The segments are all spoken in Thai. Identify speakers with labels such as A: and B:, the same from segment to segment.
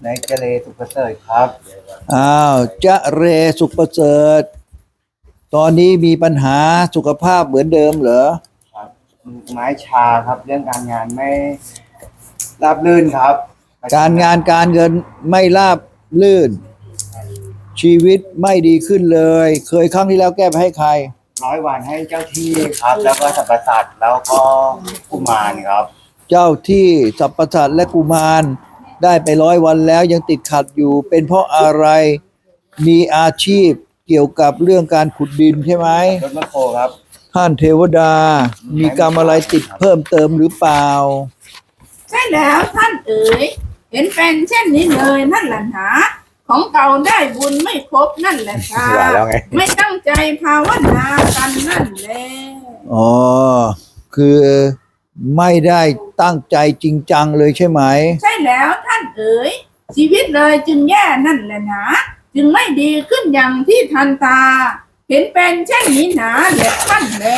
A: ในเจเลสุขประเสริฐครับ
B: อ้าวจะเรสุขประเสริฐตอนนี้มีปัญหาสุขภาพเหมือนเดิมเหรอ
A: ครับไม้ชาครับเรื่องการงานไม่ราบรื่นครับ
B: การงานการเงินไม่ราบรื่นชีวิตไม่ดีขึ้นเลยเคยครั้งที่แล้วแก้ไปให้ใคร
A: 100 วันให้เจ้าที่ครับแล้วก็สรรพสัตว์แล้วก็กุมารครับ
B: เจ้าที่สรรพสัตว์และกุมารได้ไป100 วันแล้วยังติดขัดอยู่เป็นเพราะอะไรมีอาชีพเกี่ยวกับเรื่องการขุดดินใช่ไหม
A: รถมะโครครับ
B: ท่านเทวดามีกรรมอะไรติดเพิ่มเติมหรือเปล่า
C: ใช่แล้วท่านเอ๋ยเห็นเป็นเช่นนี้เลยนั่นแหละหนาของเก่าได้บุญไม่ครบนั่นแหละค่ะไม่ตั้งใจภาวนากันนั่นแหละ
B: อ๋อคือไม่ได้ตั้งใจจริงจังเลยใช่ไหม
C: ใช่แล้วท่านเอ๋ยชีวิตเลยจึงแย่นั่นแหละหนาจึงไม่ดีขึ้นอย่างที่ทันตาเห็นเป็นเช่นนี้หนาแหละท่านแล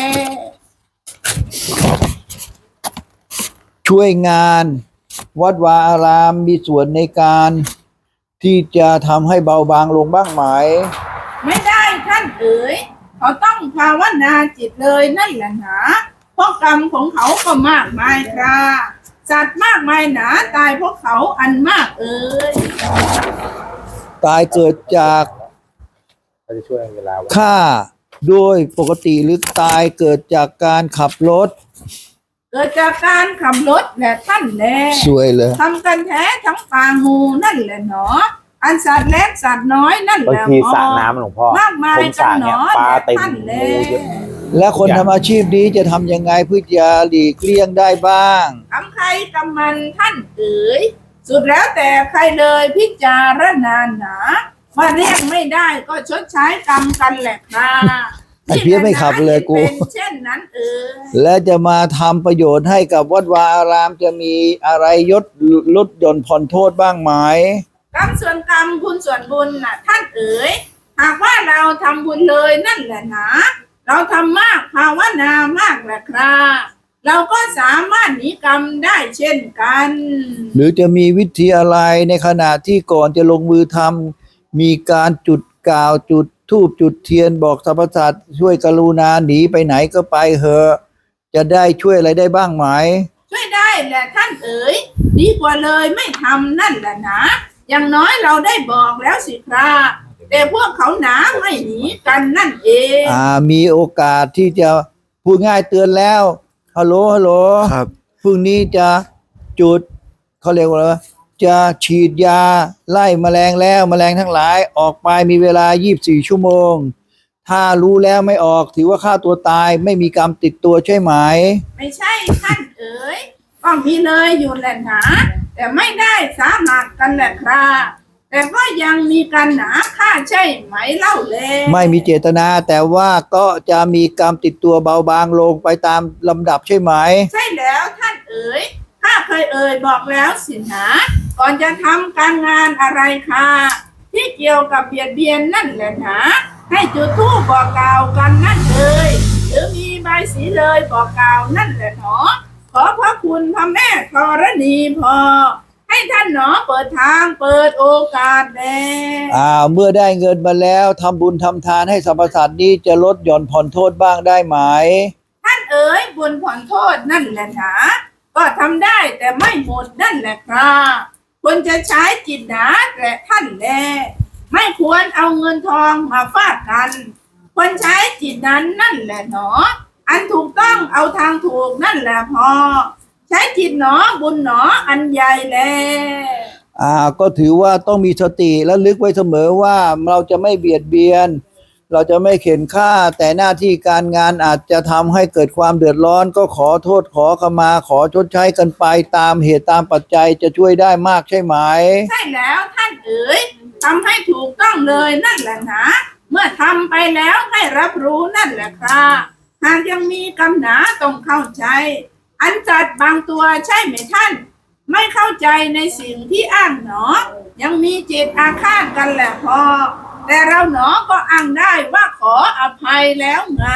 B: ช่วยงานวัดวาอารามมีส่วนในการที่จะทำให้เบาบางลงบ้างไหม
C: ไม่ได้ท่านเอ๋ยเขาต้องภาวนาจิตเลยนั่นแหละหนาเพราะกรรมของเขาก็มากมายครับสัตว์มากมายหนาตายเพราะเขาอันมากเอ๋ย
B: ตายเกิดจากฆ่าด้วยปกติหรือตายเกิดจากการขับรถ
C: เกิดจากการขับรถแหละท่านแล
B: สวยเลย
C: ทำกันแท้ทั้งปางงูนั่นแหละหนออันสัตว์เล็กสัตว์น้อยนั่นแหละ
D: พอสระน้ำหลวงพ่อ
C: มากมายกันหนอ
D: ปลาเต็ม
B: และคนทำอาชีพนี้จะทำยังไงเพื่อจะหลีกเลี่ยงได้บ้าง
C: ทำใครกำมันท่านเอ๋ยสุดแล้วแต่ใครเลยพิจารณาหนาว่าเรียกไม่ได้ก็ชดใช้กรรมกันแหละค่ะ
B: ไอ้เพี้ยไม่ขับเลยกู
C: เช่นนั้น
B: และจะมาทำประโยชน์ให้กับวัดวาอารามจะมีอะไรลดหย่อนผ่อนโทษบ้างไหม
C: กรรมส่วนกรรมบุญส่วนบุญน่ะท่านเอ๋ยหากว่าเราทำบุญเลยนั่นแหละนะเราทำมากภาวนามากแหละครับเราก็สามารถหนีกรรมได้เช่นกัน
B: หรือจะมีวิธีอะไรในขณะที่ก่อนจะลงมือทำมีการจุดกล่าวจุดธูปจุดเทียนบอกสรรพสัตว์ช่วยกรุณาหนีไปไหนก็ไปเถอะจะได้ช่วยอะไรได้บ้างไหม
C: ช่วยได้แหละท่านเอ๋ยดีกว่าเลยไม่ทำนั่นแหละนะอย่างน้อยเราได้บอกแล้วสิครับแต่พวกเขาหนาไม่หนีกันนั่นเอง
B: มีโอกาสที่จะพูดง่ายเตือนแล้วฮัลโหล
D: ครับ
B: พรุ่งนี้จะจุดเขาเรียกว่าจะฉีดยาไล่แมลงแล้วแมลงทั้งหลายออกไปมีเวลา24 ชั่วโมงถ้ารู้แล้วไม่ออกถือว่าฆ่าตัวตายไม่มีกรรมติดตัวใช่ไหม
C: ไม่ใช่ท่านเอ๋ยก็มีเลยอยู่แหละหนาแต่ไม่ได้สามัคกันแหละครับแต่ก็ยังมีกันหนาฆ่าใช่ไหมเล่าเลย
B: ไม่มีเจตนาแต่ว่าก็จะมีกรรมติดตัวเบาบางลงไปตามลำดับใช่ไหม
C: ใช่แล้วท่านเอ๋ยข้าเคยเอ่ยบอกแล้วสินะก่อนจะทำการงานอะไรค่ะที่เกี่ยวกับเบียดเบียนนั่นแหละนะให้จุดธูปบอกกล่าวกันนั่นเลยหรือมีใบสีเลยบอกกล่าวนั่นแหละหนอขอพระคุณพระแม่ธรณีพอให้ท่านหนอเปิดทางเปิดโอกาสแล
B: เมื่อได้เงินมาแล้วทำบุญทำทานให้สรรพสัตว์นี้จะลดหย่อนผ่อนโทษบ้างได้ไหม
C: ท่านเอ๋ยบุญผ่อนโทษนั่นแหละนะก็ทำได้แต่ไม่หมดนั่นแหละครับควรจะใช้จิตหนาแต่ท่านแลไม่ควรเอาเงินทองมาฟาดกันควรใช้จิตนั้นนั่นแหละหนออันถูกต้องเอาทางถูกนั่นแหละพอใช้จิตหนอบุญหนออันใหญ่แล
B: ก็ถือว่าต้องมีสติและลึกไว้เสมอว่าเราจะไม่เบียดเบียนเราจะไม่เข็นฆ่าแต่หน้าที่การงานอาจจะทำให้เกิดความเดือดร้อนก็ขอโทษขอขมาขอชดใช้กันไปตามเหตุตามปัจจัยจะช่วยได้มากใช่ไหม
C: ใช่แล้วท่านเอ๋ยทำให้ถูกต้องเลยนั่นแหละนะเมื่อทำไปแล้วให้รับรู้นั่นแหละครับหากยังมีกำหนาต้องเข้าใจอันจัดบางตัวใช่ไหมท่านไม่เข้าใจในสิ่งที่อ้างหนอยังมีจิตอาฆาตกันแหละพอแต่เราหนอก็อ้างได้ว่าขออภัยแล้วไง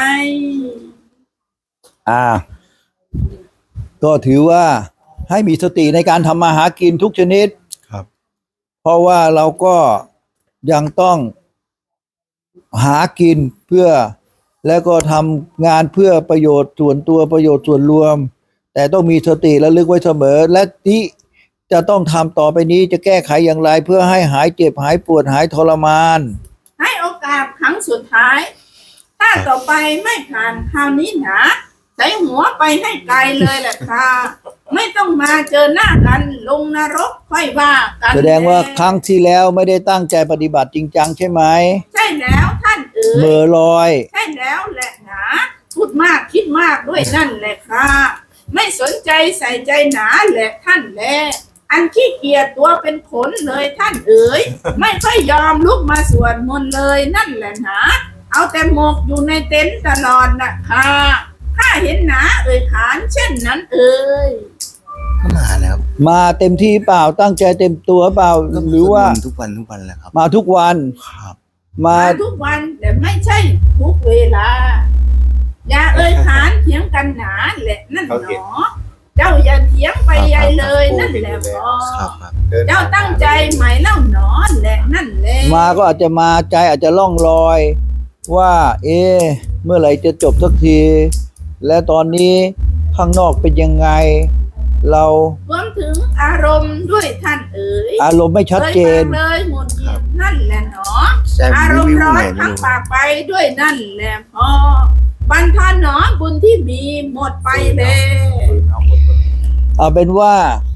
B: ก็ถือว่าให้มีสติในการทำมาหากินทุกชนิดครับราะว่าเราก็ยังต้องหากินเพื่อแล้วก็ทำงานเพื่อประโยชน์ส่วนตัวประโยชน์ส่วนรวม แต่ต้องมีสติระลึกไว้เสมอและที่จะต้องทำต่อไปนี้จะแก้ไขอย่างไรเพื่อให้หายเจ็บหายปวดหายทรมาน
C: ให้โอกาสครั้งสุดท้าย ถ้าต่อไปไม่ผ่านคราวนี้หนาใส่หัวไปให้ไกลเลยแหละค่ะไม่ต้องมาเจอหน้ากันลงนรกค่อยว่ากัน
B: แสดงว่าครั้งที่แล้วไม่ได้ตั้งใจปฏิบัติจริงจังใช่ไหม
C: ใช่แล้วท่านเอ๋
B: เบอย ร์ลอย
C: ใช่แล้วแหละหนาพูดมากคิดมากด้วยนั่นแหละค่ะไม่สนใจใส่ใจหนาแหละท่านแลอันขี้เกียจตัวเป็นขนเลยท่านเอ๋ยไม่ค่อยยอมลุกมาสวดมนต์เลยนั่นแหละหนาเอาแต่หมกอยู่ในเต็นท์ตลอดนะคะข้าเห็นหนาเอ่ยขานเช่นนั้นเอ่ย
D: ก็มาแล้วครับ
B: มาเต็มที่เปล่าตั้งใจเต็มตัวเปล่า
D: ก็
B: หรือว่า
D: สดมนต์ทุกวันแหละครับ
B: มาทุกวัน
D: ครับ
B: มา
C: มาทุกวันแต่ไม่ใช่ทุกเวลา อย่าเอ่ยขานเถียงกันหนาแหละนั่นหนอ เจ้าอย่าเถียงไปใหญ่เลยนั่นแหละพอ
D: ครับครับ
C: เจ้าตั้งใจไหมเล่าหนอแหละนั่นแหละ
B: มาก็อาจจะมาใจอาจจะล่องลอย ว่า เมื่อไหร่จะจบสักที และตอนนี้ข้างนอกเป็นยังไง เรา
C: รวมถึงอารมณ์ด้วยท่านเอ๋ย
B: อารมณ์ไม่ชัดเจน
C: คยฟังเลยหมดหยิบนั่นแหละหนอ
D: ใช่
C: อารม
D: วิ
C: ณ์
D: ว
C: ร้อ
D: ไหน
C: น
D: ไม่
C: ทั้ง
D: รู้
C: ปากไปด้วยนั่นแหละพอบันทอนหนอบุญที่มีหมดไปเลย
B: เอาเป็นว่า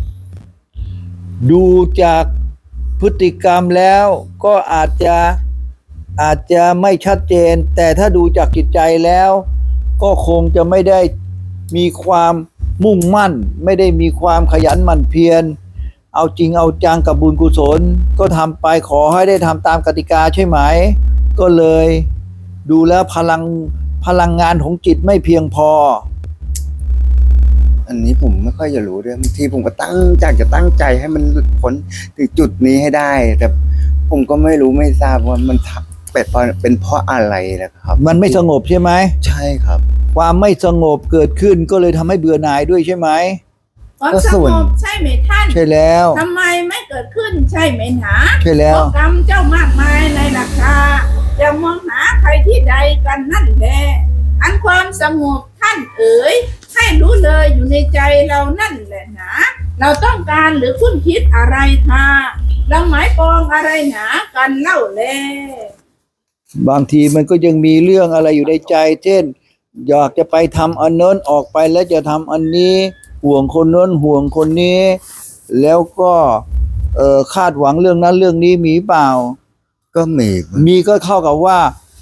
B: ดูจากพฤติกรรมแล้วก็อาจจะไม่ชัดเจน แต่ถ้าดูจากจิตใจแล้ว ก็คงจะไม่ได้มีความมุ่งมั่น ไม่ได้มีความขยันหมั่นเพียรเอาจริงเอาจังกับบุญกุศล ก็ทำไปขอให้ได้ทำตามกติกาใช่ไหม ก็เลยดูแล้วพลังงานของจิตไม่เพียงพอ
D: อันนี้ผมไม่ค่อยจะรู้ด้วยบางทีผมก็จะตั้งใจให้มันหลุดพ้นถึงจุดนี้ให้ได้ แต่ผมก็ไม่รู้ไม่ทราบว่ามันเป็นเพราะอะไรนะครับ
B: มันไม่สงบใช่ไหม
D: ใช่ครับ
B: ความไม่สงบเกิดขึ้นก็เลยทำให้เบื่อหน่ายด้วยใช่ไหม
C: ความ
D: ก็
C: ส
D: ส่
C: ง
D: วน
C: บใช่ไหมท่าน
B: ใช่แล้ว
C: ทำไมไม่เกิดขึ้นใช่ไหมหนา
B: ใช่แล้ว
C: เพราะกรรมเจ้ามากมายในราคาจะมองหาใครที่ใดกันนั่นแหละอันความสงบท่านเอ๋ยให้รู้เลยอยู่ในใจเรานั่นแหละหนาเราต้องการหรือคุ้นคิดอะไรค่ะเราหมายปองอะไรหนากันเล่าแล
B: บางทีมันก็ยังมีเรื่องอะไรอยู่ในใจ เช่น อยากจะไปทำอันโน้นออกไปแล้วจะทำอันนี้ห่วงคนโน้นห่วงคนนี้ แล้วก็คาดหวังเรื่องนั้นเรื่องนี้มีเปล่า
D: ก็มี
B: มีก็เข้ากับว่า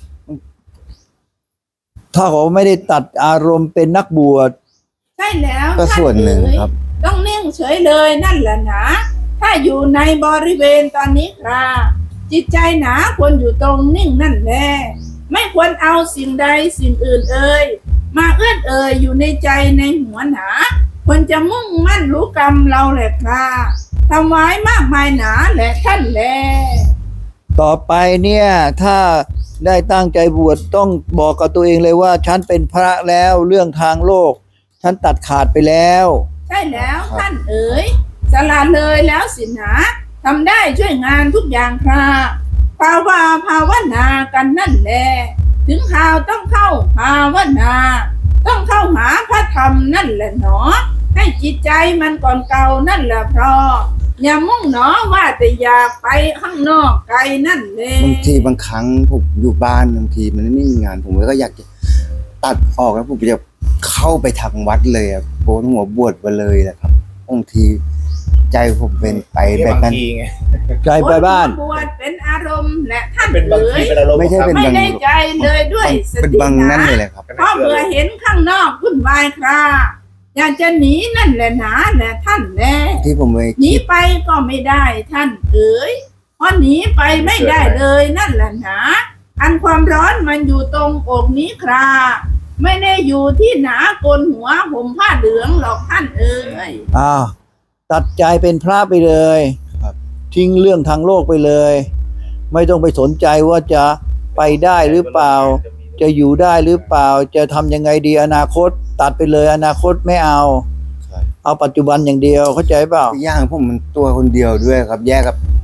B: ถ้าเขาไม่ได้ตัดอารมณ์เป็นนักบวช
C: ใช่แล้ว
D: ก็ส่วนหนึ่งครับ
C: ต้องนิ่งเฉยเลยนั่นแหละนะถ้าอยู่ในบริเวณตอนนี้ครับจิตใจหนาควรอยู่ตรงนิ่งนั่นแหละไม่ควรเอาสิ่งใดสิ่งอื่นมาเอื้อนอยู่ในใจในหัวหนาควรจะมุ่งมั่นรู้กรรมเราแหละครับทำไว้มากมายหนาแหละท่านแล
B: ต่อไปเนี่ยถ้าได้ตั้งใจบวชต้องบอกกับตัวเองเลยว่าฉันเป็นพระแล้วเรื่องทางโลกฉันตัดขาดไปแล้ว
C: ใช่แล้วท่านเอ๋ยสละเลยแล้วสินะทำได้ช่วยงานทุกอย่างครับภาวนากันนั่นแหละถึงข่าวต้องเข้าภาวนาต้องเข้าหาพระธรรมนั่นแหละหนอให้จิตใจมันก่อนเก่านั่นแหละเพราะอย่ามุ่งหนอว่าแต่อยากไปข้างนอกไกลนั่นเลย
D: บางทีบางครั้งผมอยู่บ้านบางทีมันไม่มีงาน ผมก็อยากจะตัดออกแล้วผมจะเข้าไปทางวัดเลยอะโกนหัวบวชไปเลยนะครับบางทีใจผมเป็นไปแบบนั้น
B: ใจไปบ้าน
C: บวชเป็นอารมณ์และท่าน
E: เป็นบาง
C: เอ๋
E: ที
C: ย
E: เป็นอารมณ์
D: ไม่ใช่เป็น
C: ไม่
D: บาง
C: ได้ใจเลยด้วยส
D: เป็น
C: ติ
D: บาง
C: นะ
D: นั่นเลยแหละครับ
C: เพราะเบื่อเห็นข้างนอกวุ่นวายคราอยากจะหนีนั่นแหละหนาแหละท่านแล
D: ที่ผมไป
C: หนีไปก็ไม่ได้ท่านเอ๋ยเพราะหนีไปไม่ได้เลยนั่นแหละหนาอันความร้อนมันอยู่ตรงอกนี้คราไม่ได้อยู่ที่หนาโกนหัวห่มผ้าเหลืองหรอกท่านเอ๋ย
B: อ้าวตัดใจเป็นพระไปเลย
D: ครับ
B: ทิ้งเรื่องทางโลกไปเลย ไม่ต้องไปสนใจว่าจะไปได้หรือเปล่า จะอยู่ได้หรือเปล่า จะทำยังไงดีอนาคต ตัดไปเลยอนาคตไม่เอา เอาปัจจุบันอย่างเดียวเข้าใจเปล่า
D: ย่างผมมันตัวคนเดียวด้วยครับ แยกกับ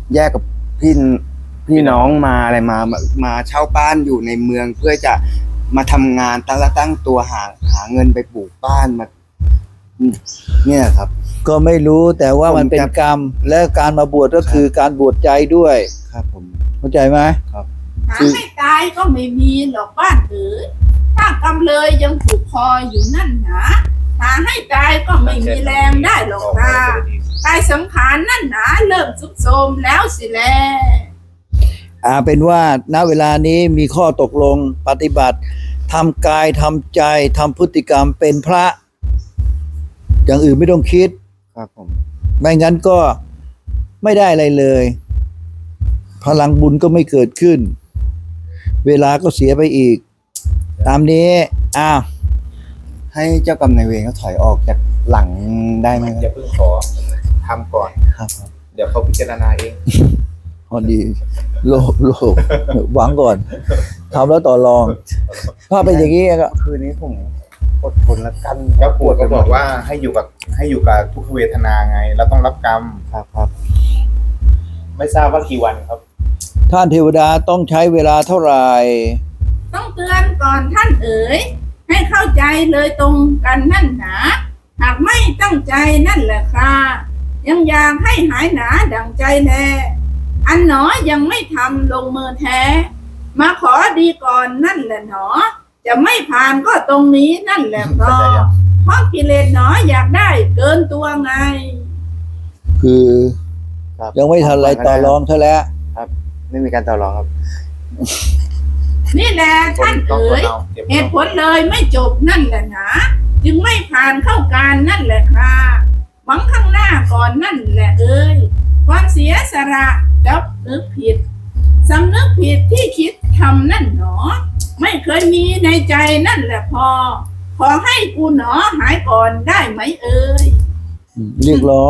D: แยกกับพี่น้องมาอะไรมาเช่าบ้านอยู่ในเมืองเพื่อจะมาทำงานตั้งตัวหาเงินไปปลูกบ้านมาเนี่ยครับ
B: ก็ไม่รู้แต่ว่ามันเป็นกรรม และการมาบวชก็คือการบวชใจด้วย
D: ครับผม
B: เข้าใจไหม
D: ครับ
C: หาให้ตายก็ไม่มีหรอกบ้านเอ๋ยถ้ากำเลยยังผูกคออยู่นั่นหนาหาให้ตายก็ไม่มีแรงได้หรอกค่ะกายสังขารนั่นหนาเริ่มสุดโทรมแล้วสิแล
B: เป็นว่าณเวลานี้มีข้อตกลงปฏิบัติทำกายทำใจทำพฤติกรรมเป็นพระ อย่างอื่นไม่ต้องคิด
D: ครับผม
B: ไม่งั้นก็ไม่ได้อะไรเลย พลังบุญก็ไม่เกิดขึ้น เวลาก็เสียไปอีก ตามนี้
D: ให้เจ้ากรรมนายเวรเขาถอยออกจากหลังได้ไหมค
E: อย่า
D: รับ
E: เพิ่งขอทำก่อน
D: ครับ
E: เดี๋ยวเขาพิจารณาเอง
B: พอดีโลภหวังก่อนทำแล้วต่อรอง ถ้าเป็นอย่างนี้ก็
D: คืนนี้ผมอดทนแล้วกัน
E: ก็ปวดก็บอกว่าให้อยู่กับทุกขเวทนาไง แล้วต้องรับกรรม
D: ครับ
E: ไม่ทราบว่ากี่วันครับ
B: ท่านเทวดาต้องใช้เวลาเท่าไหร่
C: ต้องเตือนก่อนท่านเอ๋ยให้เข้าใจเลยตรงกันนั่นหนาหากไม่ตั้งใจนั่นแหละค่ะยังอยากให้หายหนาดังใจแลอันหนอยังไม่ทำลงมือแท้ มาขอดีก่อนนั่นแหละหนอ จะไม่ผ่านก็ตรงนี้นั่นแหละเพราะกิเลสหนออยากได้เกินตัวไง
B: คือ
D: ครับ
B: ยังไม่ทันไรต่อรองเท่าแล้ว
D: ไม่มีการต่อรองครับ
C: นี่แหละท่านเอ๋ย เหตุผลเลยไม่จบนั่นแหละนะจึงไม่ผ่านเข้าการนั่นแหละค่ะหวังข้างหน้าก่อนนั่นแหละเอ้ยความเสียสละจับนึกผิดสำนึกผิดที่คิดทำนั่นหนอ ไม่เคยมีในใจนั่นแหละพอ ขอให้กูหนอหายก่อนได้ไหมเอ้ย
B: เรียกร้อง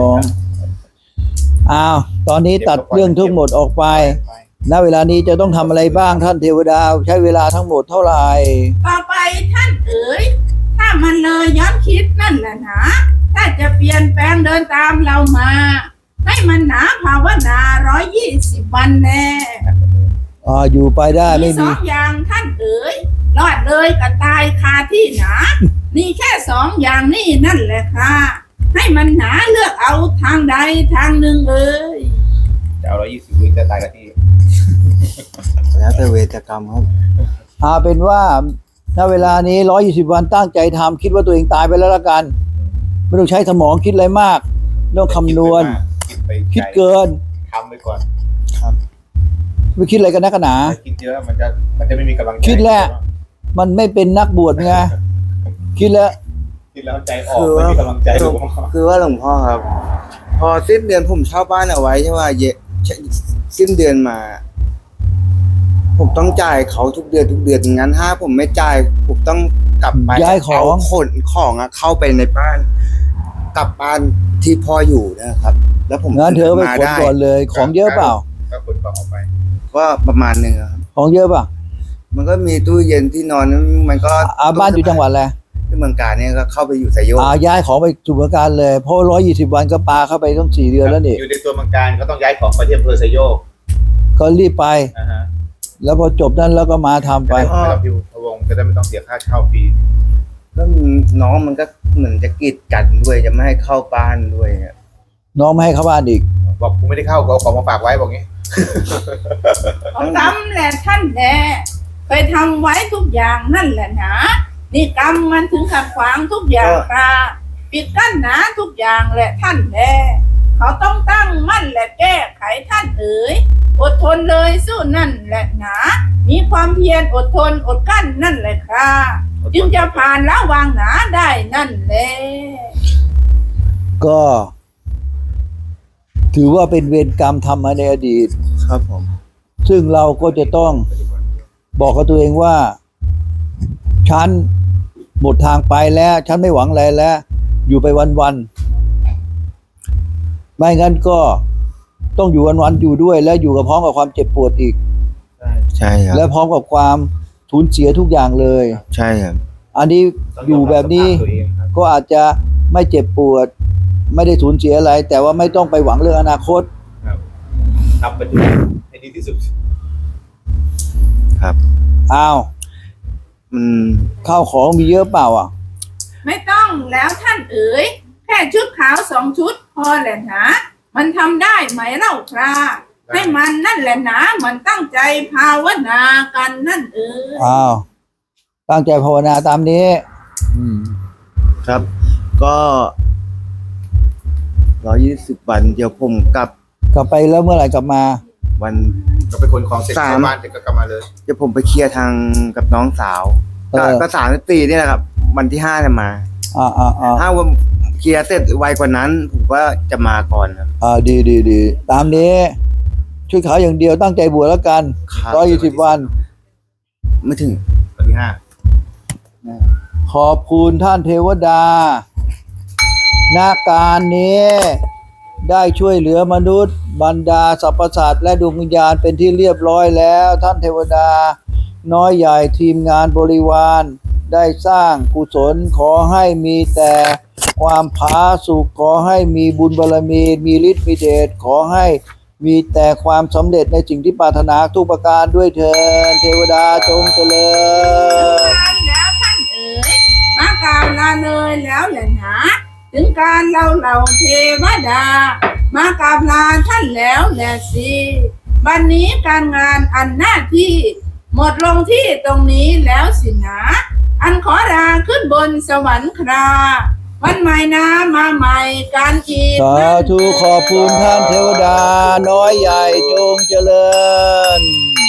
B: ตอนนี้ตัดเรื่องทั้งหมดออกไปณเวลานี้จะต้องทำอะไรบ้างท่านเทวดาใช้เวลาทั้งหมดเท่าไหร่
C: ต่อไปท่านเอ๋ยถ้ามันเลยย้อนคิดนั่นแหละนะถ้าจะเปลี่ยนแปลงเดินตามเรามา ให้มันหนาภาวนา120 วันแน่
B: อยู่ไปได้
C: มี
B: ไม่
C: ส
B: มี
C: องอย่างท่านเอ๋ยรอดเลยกับตายคาที่หนา นี่แค่สองอย่างนี่นั่นแหละค่ะ ให้มันหนาเลือกเอาทางใดทางหนึ่งเอ๋ย
E: จะเอา120วิจะตายกันที่
D: แล้วแต่เวรกรรมครับ
B: เป็นว่าณเวลานี้120 วันตั้งใจทำคิดว่าตัวเองตายไปแล้วละกัน ไม่ต้องใช้สมองคิดอะไรมากไม่ต้องคำนวณ คิดเกิน
E: ทำไปก่อน
B: ไม่คิดอะไรกันนักกันหนา
E: ถ้าคิดเยอะมันจะไม่มีกำลังใจ
B: คิดแล้ว มันไม่เป็นนักบวชไงคิดแล้ว
E: คิดแล้วใจออกไม่มีกำลังใจหรอก
D: คือว่าหลวงพ่อครับ พอสิ้นเดือนผมเช่าบ้านเอาไว้ใช่ว่าสิ้นเดือนมา ผมต้องจ่ายเขาทุกเดือนงั้นถ้าผมไม่จ่ายผมต้องกลับไป
B: ย้ายของ
D: เขนของเข้าไปในบ้าน กลับบ้านที่พ่ออยู่นะครับ แล้วผม
B: งั้นเธอไปขน
D: ได้
B: ก่อนเลย ของเยอะเปล่า
E: ก็ขนของออกไป
D: ก็ประมาณหนึงครับ
B: ของเยอะเปล่า
D: มันก็มีตู้เย็นที่นอนมันก็
B: บ้านอยู่จังหวัดอะไร
D: ที่เมืองการเนี่ยก็เข้าไปอยู่ไซโยก
B: ย้ายของไปจุบการเลยเพราะ120 วันก็ปาเข้าไปต้อง4 เดือนแล้วนี่
E: อยู่ในตัวเมืองการก็ต้องย้ายของไปที่อำเภอไซโยก
B: ก็รีบไป
E: นะฮะ
B: แล้วพอจบนั้นแล้วก็มาทำไป
E: ไม่ต้องพิวพะวงจะได้ไม่ต้องเสียค่าเช่าฟรี
D: ก็น้องมันก็เหมือนจะกีดกันด้วยจะไม่ให้เข้าบ้านด้วยเนี่ย
B: น้องไม่ให้เข้าบ้านอีก
E: บอกกูไม่ได้เข้ากูเอาของมาฝากไว้บอกงี้
C: ของทำแหละท่านแหละเคยทำไว้ทุกอย่างนั่นแหละนะนี่กรรมมันถึงขัดขวางทุกอย่างค่ะปิดกั้นหนาทุกอย่างแหละท่านแหละเขาต้องตั้งมั่นและแก้ไขท่านเอ๋ยอดทนเลยสู้นั่นแหละนะมีความเพียรอดทนอดกั้นนั่นแหละค่ะจึงจะผ่านละวางหนาได้นั่นแหละ
B: ก็ถือว่าเป็นเวรกรรมทำมาในอดีต
D: ครับผม
B: ซึ่งเราก็จะต้องบอกกับตัวเองว่าฉันหมดทางไปแล้วฉันไม่หวังอะไรแล้ว อยู่ไปวันๆไม่งั้นก็ต้องอยู่วันๆอยู่ด้วย และอยู่กับพร้อมกับความเจ็บปวดอีก
D: ใช่ครับ
B: และพร้อมกับความสูญเสียทุกอย่างเลย
D: ใช่ครับ
B: อันนี้อยู่แบบนี้
E: ตัวเองครับ
B: ก็อาจจะไม่เจ็บปวด ไม่ได้สูญเสียอะไร แต่ว่าไม่ต้องไปหวังเรื่องอนาคต
E: ครับทำปฏิบัติให้ดีที่สุด
D: ครับ
B: อ้าว
D: มัน
B: ข้าวของมีเยอะเปล่าอ่ะ
C: ไม่ต้องแล้วท่านเอ๋ยแค่ชุดขาว2 ชุดพอแหละนะมันทำได้ไหมเล่าคราให้มันนั่นแหละนะมันตั้งใจภาวนากันนั่นเอ๋ย
B: อ้าว ตั้งใจภาวนาตามนี้
D: ครับ ก็120 วันเดี๋ยวผมกลับ
B: กลับไปแล้วเมื่อไหร่กลับมา
D: วัน
E: ก็ไปคนของเสร็จเข้าบ้านเสร็จก็กลับมาเลย
D: เดี๋ยวผมไปเคลียร์ทางกับน้องสาว
B: เออ
D: ก็34นี่แหละครับ วันที่5จะมา ถ้าวันเคลียร์เสร็จไวกว่านั้น ผมก็จะมาก่อนครับ
B: ดีตามนี้ชุดขาวอย่างเดียวตั้งใจบวชแล้วกัน
D: ครับ
B: 120 วัน
D: ไม่ถึง
E: วันที่
B: ขอบคุณท่านเทวดาณการนี้ได้ช่วยเหลือมนุษย์บรรดาสรรพสัตว์และดวงวิญญาณเป็นที่เรียบร้อยแล้วท่านเทวดาน้อยใหญ่ทีมงานบริวารได้สร้างกุศลขอให้มีแต่ความผาสุกขอให้มีบุญบารมีมีฤทธิ์มีเดชขอให้มีแต่ความสำเร็จในสิ่งที่ปรารถนาทุกประการด้วยเถิดเทวดาจงเจริญ
C: การแล้วท่านเอ๋ยมากล่าวลาเลยแล้วแหละนะถึงการเราเทวดามากราบลาท่านแล้วแหละสิวันนี้การงานอันหน้าที่หมดลงที่ตรงนี้แล้วสินะอันขอลาขึ้นบนสวรรค์คราวันใหม่นะมาใหม่การอีก
B: สาธุขอบคุณท่านเทวดาน้อยใหญ่จงเจริญ